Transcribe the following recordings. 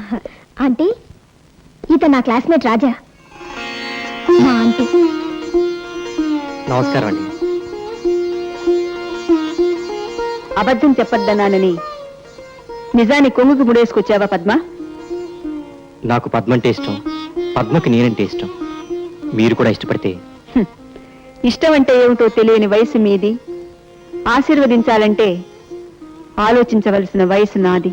Aunty, ఇతను నా classmate రాజా, మా ఆంటీ. నమస్కారం అండి. అబద్ధం చెప్పొద్దన్నానని నిజాన్ని కొంగుకు ముడేసుకొచ్చావా పద్మ? నాకు పద్మ అంటే ఇష్టం, పద్మకి నేనంటే ఇష్టం. మీరు కూడా ఇష్టపడితే. ఇష్టం అంటే ఏమిటో తెలియని వయసు మీది, ఆశీర్వదించాలంటే ఆలోచించవలసిన వయసు నాది.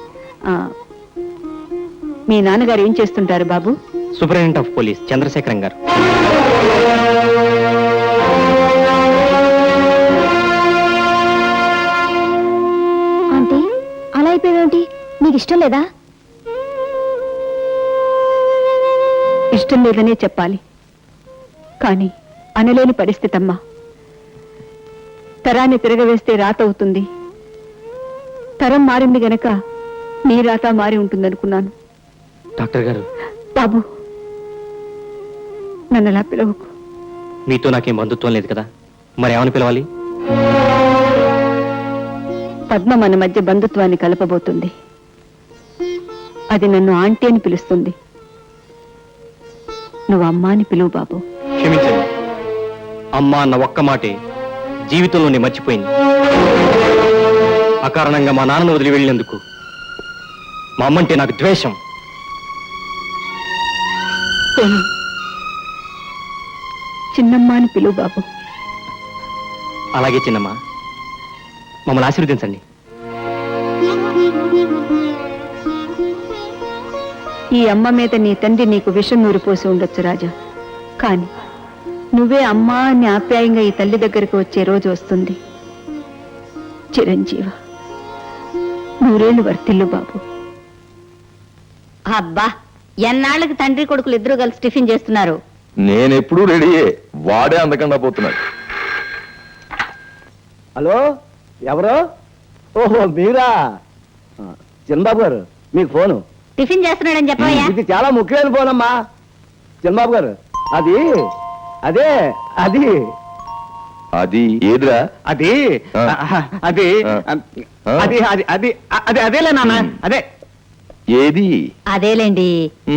మీ నాన్నగారు ఏం చేస్తుంటారు బాబు? సూపరింటెండెంట్ ఆఫ్ పోలీస్ చంద్రశేఖరం గారు. ఆంటీ, అలా అయిపోయావేంటి? నీకు ఇష్టం లేదా? ఇష్టం లేదనే చెప్పాలి, కానీ అనలేని పరిస్థితి అమ్మా. తరాన్ని తిరగవేస్తే రాత అవుతుంది. తరం మారింది గనక నీ రాత మారి ఉంటుందనుకున్నాను. డాక్టర్ గారు. బాబు, నన్ను అలా పిలవకు. మీతో నాకేం బంధుత్వం లేదు కదా, మరి ఏమని పిలవాలి? పద్మ మన మధ్య బంధుత్వాన్ని కలపబోతుంది. అది నన్ను ఆంటీ అని పిలుస్తుంది. నువ్వు అమ్మా అని పిలువు బాబు. క్షమించండి, అమ్మా అన్న ఒక్క మాటే జీవితంలోనే మర్చిపోయింది. అకారణంగా మా నాన్నను వదిలి వెళ్ళినందుకు మా అమ్మంటే నాకు ద్వేషం. చిన్నమ్మ అని పిలువు బాబు. అలాగే చిన్నమ్మ, మమ్మల్ని ఆశీర్వదించండి. ఈ అమ్మ మీద నీ తండ్రి నీకు విషం నూరిపోసి ఉండొచ్చు రాజా, కాని నువ్వే అమ్మా అని ఆప్యాయంగా ఈ తల్లి దగ్గరకు వచ్చే రోజు వస్తుంది. చిరంజీవ, నూరేళ్లు వర్తిల్లు బాబు. అబ్బా, ఎన్నాళ్ళకి తండ్రి కొడుకులు ఇద్దరు కలిసి టిఫిన్ చేస్తున్నారు. నేనెప్పుడు రెడీయే, వాడే అందకుండా పోతున్నాడు. హలో, ఎవరు? ఓహో మీరా? చిన్నబాబు గారు, మీకు ఫోను. టిఫిన్ చేస్తున్నాడని చెప్పవయ్యా. ఇది చాలా ముఖ్యమైన ఫోన్ అమ్మా. చిన్నబాబు గారు, అది అదే అది అది ఏదిరా? అది అది అది అది అది అది అదేలే నాన్న, అదే. ఏది? అదేలేండి.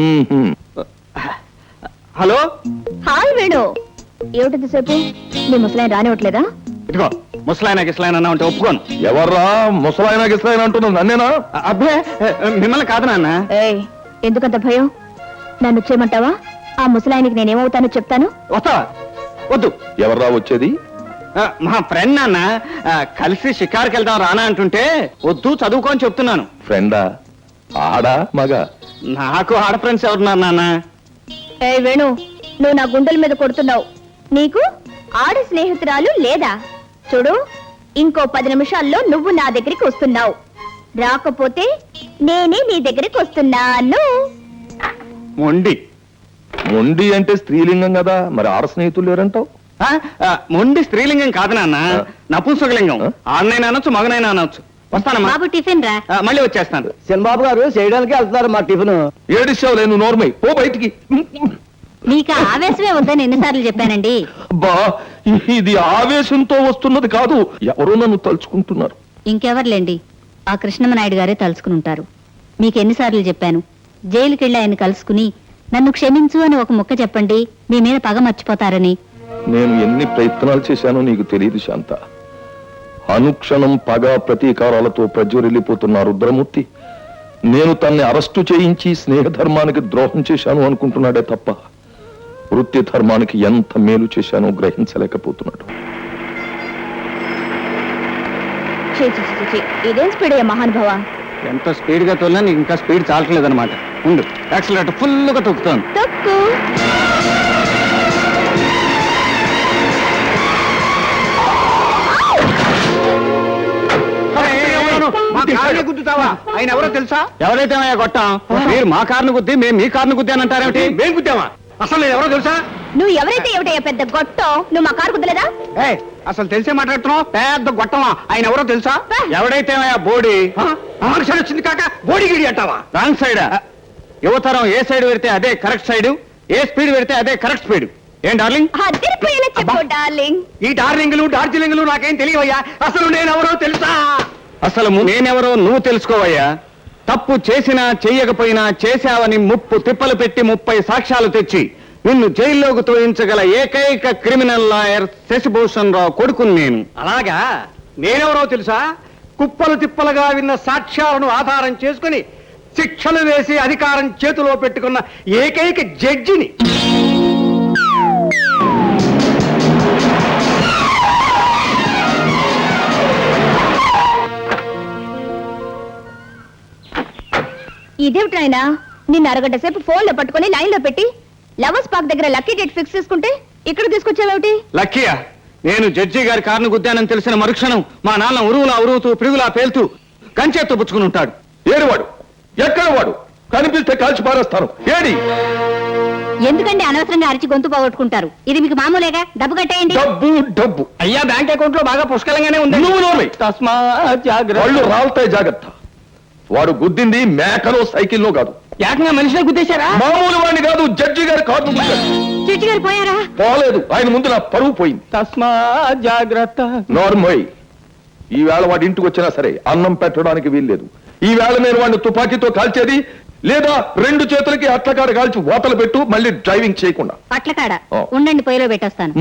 హలో, హాయ్ వేణు, ఏమిటింతసేపు? నీ ముసలాయన రానివ్వట్లేదా? ఇదిగో ముసలాయన గిసలాయన అన్నా ఉంటే ఒప్పుకోను. ఎవర్రా ముసలాయన గిసలాయన అంటున్నావు? నన్నేనా? అబ్బే, మిమ్మల్ని కాదు నాన్న. ఏయ్, ఎందుకంత భయం? నన్ను చేయమంటావా? ఆ ముసలాయనికి నేనేమవుతానో చెప్తాను. వస్తావా? వద్దు. ఎవర్రా వచ్చేది? మా ఫ్రెండ్ నాన్న, కలిసి షికార్కి వెళ్దాం రానా అంటుంటే వద్దు, చదువుకోని చెప్తున్నాను. ఫ్రెండా? ఆడా మగ? నాకు ఆడ ఫ్రెండ్స్ ఎవరున్నారు నాన్న? ఏయ్ వేణు, నువ్వు నా గుండెల మీద కొడుతున్నావు. నీకు ఆడ స్నేహితురాలు లేదా? చూడు, ఇంకో 10 నిమిషాల్లో నువ్వు నా దగ్గరికి వస్తున్నావు. రాకపోతే నేనే నీ దగ్గరికి వస్తున్నాను. మొండి. మొండి అంటే స్త్రీలింగం కదా, మరి ఆడ స్నేహితులు లేరంటావు? మొండి స్త్రీలింగం కాదు నాన్న, నపుంసకలింగం. ఆడనైనా అనొచ్చు, మగనైనా అనొచ్చు. వస్తానమ్మా. బాబు టిఫిన్ రా. మళ్ళీ వచ్చేస్తాను. చిన్నబాబు గారు చేయడానికి వెళ్తున్నారు మా టిఫిన్. ఏడిస్తావు లేను, నోర్మై పో బయటికి. మీకు ఆవేశమే వద్దని ఎన్నిసార్లు చెప్పానండి. బా, ఇది ఆవేశంతో వస్తున్నది కాదు, ఎవరో నన్ను తలుచుకుంటున్నారు. ఇంకెవర్లేండి, ఆ కృష్ణమనాయుడు గారే తలుచుకుని ఉంటారు. మీకు ఎన్నిసార్లు చెప్పాను, జైలుకెళ్ళి ఆయన కలుసుకుని నన్ను క్షమించు అని ఒక ముక్క చెప్పండి, మీ మీద పగ మర్చిపోతారని. నేను ఎన్ని ప్రయత్నాలు చేశానో నీకు తెలియదు శాంత. అనుక్షణం పగ ప్రతీకారాలతో ప్రజ్వరిల్లిపోతున్న రుద్రమూర్తి నేను తన్ని అరెస్టు చేయించి స్నేహధర్మానికి ద్రోహం చేశాను అనుకుంటున్నాడే తప్ప వృత్తి ధర్మానికి ఎంత మేలు చేశానో గ్రహించలేకపోతున్నాడు. ఇదేం స్పీడ్ అయ్యా మహానుభావ? ఎంత స్పీడ్ గా తోలినా నీకు ఇంకా స్పీడ్ చాలట్లేదన్నమాట. ఉండు, యాక్సిలరేటర్ ఫుల్ గా తొక్కుతాను. తొక్కు. గుద్దుతావా? ఆయన ఎవరో తెలుసా? ఎవరైతే కొట్టాం, మీరు మా కారును గుద్ది మేము మీ కారును గుద్ది అని అంటారేమిటి? మేము గుద్దామా? అసలు ఎవరో తెలుసా? నువ్వు ఎవరైతే ఏమిటయ్యా పెద్ద గొట్టం? నువ్వు మా కారు కుదలేదా? అసలు తెలిసే మాట్లాడుతున్నావు? పెద్ద గొట్టమా? ఆయన ఎవరో తెలుసా? ఎవడైతే బోడీ ఆర్షన్ వచ్చింది కాక బోడిగిడి అంటావా? Wrong side. యువతరం ఏ సైడ్ పెడితే అదే కరెక్ట్ సైడ్, ఏ స్పీడ్ పెడితే అదే కరెక్ట్ స్పీడ్. ఏం డార్లింగ్? అదిరిపోయేలా చెప్పు డార్లింగ్. ఈ డార్లింగ్లు డార్జిలింగ్లు నాకేం తెలియవయ్యా. అసలు నేనెవరో తెలుసా? అసలు నేనెవరో నువ్వు తెలుసుకోవయ్యా. తప్పు చేసినా చెయ్యకపోయినా చేశావని 30 తిప్పలు పెట్టి 30 సాక్ష్యాలు తెచ్చి నిన్ను జైల్లోకి తోయించగల ఏకైక క్రిమినల్ లాయర్ శశిభూషణ్ రావు కొడుకుని నేను. అలాగా నేనెవరో తెలుసా? కుప్పలు తిప్పలుగా విన్న సాక్ష్యాలను ఆధారం చేసుకుని శిక్షలు వేసి అధికారం చేతిలో పెట్టుకున్న ఏకైక జడ్జిని. ఇదేమిటైనా నిన్ను అరగంట సేపు ఫోన్ లో పట్టుకుని లైన్ లో పెట్టి లవర్స్ పార్క్ దగ్గర లక్కీ డేట్ ఫిక్స్ చేసుకుంటే ఇక్కడ తీసుకొచ్చావేమిటి? లక్కీయా? నేను జడ్జి గారి కారును గుద్దానని తెలిసిన మరుక్షణం మా నాన్న ఉరువులా ఉరువుతూ పిరుగులా పేలుతూ కంచెత్తు పుచ్చుకుని ఉంటాడు. ఏడువాడు? ఎక్కడ వాడు? కనిపిస్తే కాల్చి పారేస్తాను. ఏడి? ఎందుకండి అనవసరంగా అరిచి గొంతు పోగొట్టుకుంటారు? ఇది మీకు మామూలేగా, డబ్బు కట్టేయండి. డబ్బు డబ్బు. అయ్యా బ్యాంక్ అకౌంట్ లో బాగా పుష్కలంగానే ఉంది. నువ్వు నోర్మై. తస్మా జాగ్రత్త. వాళ్ళు రాలుతాయి, జాగ్రత్త. వాడు గుద్దింది మేకలో సైకిల్లో కాదు, ఏకంగా మనిషినే గుద్దేశారా? మామూలు వాడిని కాదు, జడ్జి గారి కారు గుద్దాడు. చిట్టి గారు పోయారా? పోలేదు, ఆయన ముందు నా పరువు పోయింది. తస్మా జాగ్రత్త. నార్మోయ్, ఈవేళ వాడి ఇంటికి వచ్చినా సరే అన్నం పెట్టడానికి వీల్లేదు. ఈవేళ నేను వాడిని తుపాకీతో కాల్చేది, లేదా 2 చేతులకి అట్లకాడ కాల్చి ఓతలు పెట్టు, మళ్ళీ డ్రైవింగ్ చేయకుండా. పట్లకాడ ఓ. ఉండండి, పొయ్యిలో పెట్టొస్తాను.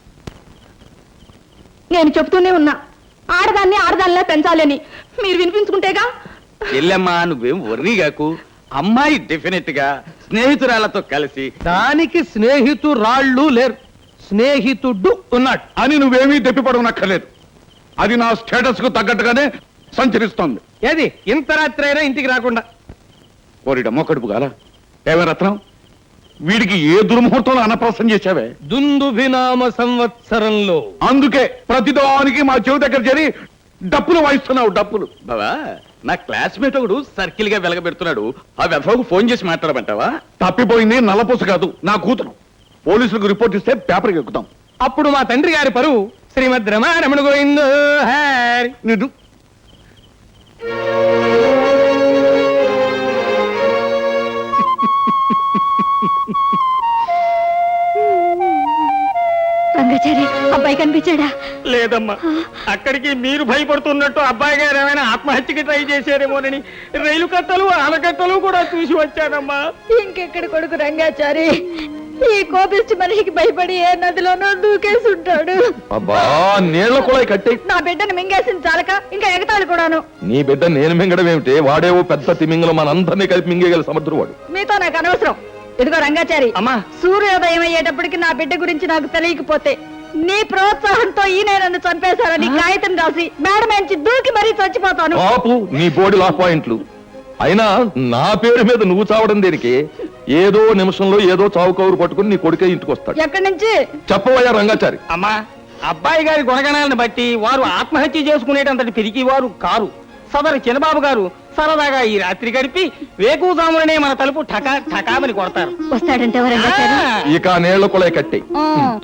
నేను చెప్తూనే ఉన్నా, ఆడదాన్ని ఆడదానిలా పెంచాలని. మీరు వినిపించుకుంటేగా. చెల్లెమ్మా, నువ్వేం వర్రీగాకు. అమ్మాయి డెఫినెట్ గా స్నేహితురాలతో కలిసి దానికి స్నేహితురాళ్ళు లేరు, స్నేహితుడు ఉన్నాడు అని నువ్వేమీ దెప్పిపడనక్కర్లేదు. అది నా స్టేటస్ కు తగ్గట్టుగానే సంచరిస్తోంది. ఏది ఇంత రాత్రి అయినా ఇంటికి రాకుండా? ఓరిడ మొక్కడుపు గాల ఏమే రత్నం, వీడికి ఏ దుర్ముహూర్తంలో అన్నప్రాసం చేశావే? దుందుభినామ సంవత్సరంలో. అందుకే ప్రతిదానికి మా చెవి దగ్గర చేరి డప్పులు వాయిస్తున్నావు. డప్పులు బావా, నా క్లాస్మేట్ ఒకడు సర్కిల్ గా వెలగబెడుతున్నాడు. ఆ వెఫకు ఫోన్ చేసి మాట్లాడమంటావా? తప్పిపోయింది నల్లపూస కాదు, నా కూతురు. పోలీసులకు రిపోర్ట్ ఇస్తే పేపర్కి ఎక్కుతాం. అప్పుడు మా తండ్రి గారి పరువు శ్రీమద్ రమారమణ గోవిందో హరి. నిన్ను రంగాచారి, అబ్బాయి కనిపించాడా? లేదమ్మా, అక్కడికి మీరు భయపడుతున్నట్టు అబ్బాయి గారు ఏమైనా ఆత్మహత్యకి ట్రై చేశారేమోనని రైలు కట్టలు ఆనకట్టలు కూడా చూసి వచ్చానమ్మా. ఇంకెక్కడ కొడుకు రంగాచారి, ఈ కోపిష్టి మనిషికి భయపడి ఏ నదిలోనో దూకేసి ఉంటాడు. అబ్బా, నీళ్ల కూడా కట్టే. నా బిడ్డను మింగేసింది చాలక ఇంకా ఎగతాళి కూడాను. నీ బిడ్డ నేను మింగడం ఏమిటి? వాడేవో పెద్ద తిమింగలం, మనందరినీ కలిపి మింగేగల సముద్రం వాడు. మీతో నాకు అనవసరం. ఇదిగో రంగాచారి, అమ్మా. సూర్యోదయం అయ్యేటప్పటికి నా బిడ్డ గురించి నాకు తెలియకపోతే నీ ప్రోత్సాహంతో ఈయన నన్ను చంపేశారని కాగితం రాసి మేడం నుంచి దూకి మరీ చచ్చిపోతాను. ఆపు నీ బోడి లా పాయింట్లు. అయినా నా పేరు మీద నువ్వు చావడం దేనికి? ఏదో నిమిషంలో ఏదో చావు కౌరు పట్టుకుని నీ కొడుకే ఇంటికి వస్తాడు. ఎక్కడి నుంచి? చెప్పవయ్యా రంగాచారి. అమ్మా, అబ్బాయి గారి గుణగణాలను బట్టి వారు ఆత్మహత్య చేసుకునేటంతటి పిరికి వారు కారు. సదరు చిన్నబాబు గారు సరదాగా ఈ రాత్రి గడిపి వేకుజామునే మన తలుపు ఠకా ఠకామని కొడతారు. వస్తాడంటే రంగాచారి. ఇక నీళ్ల కూడా కట్టే. ఆ.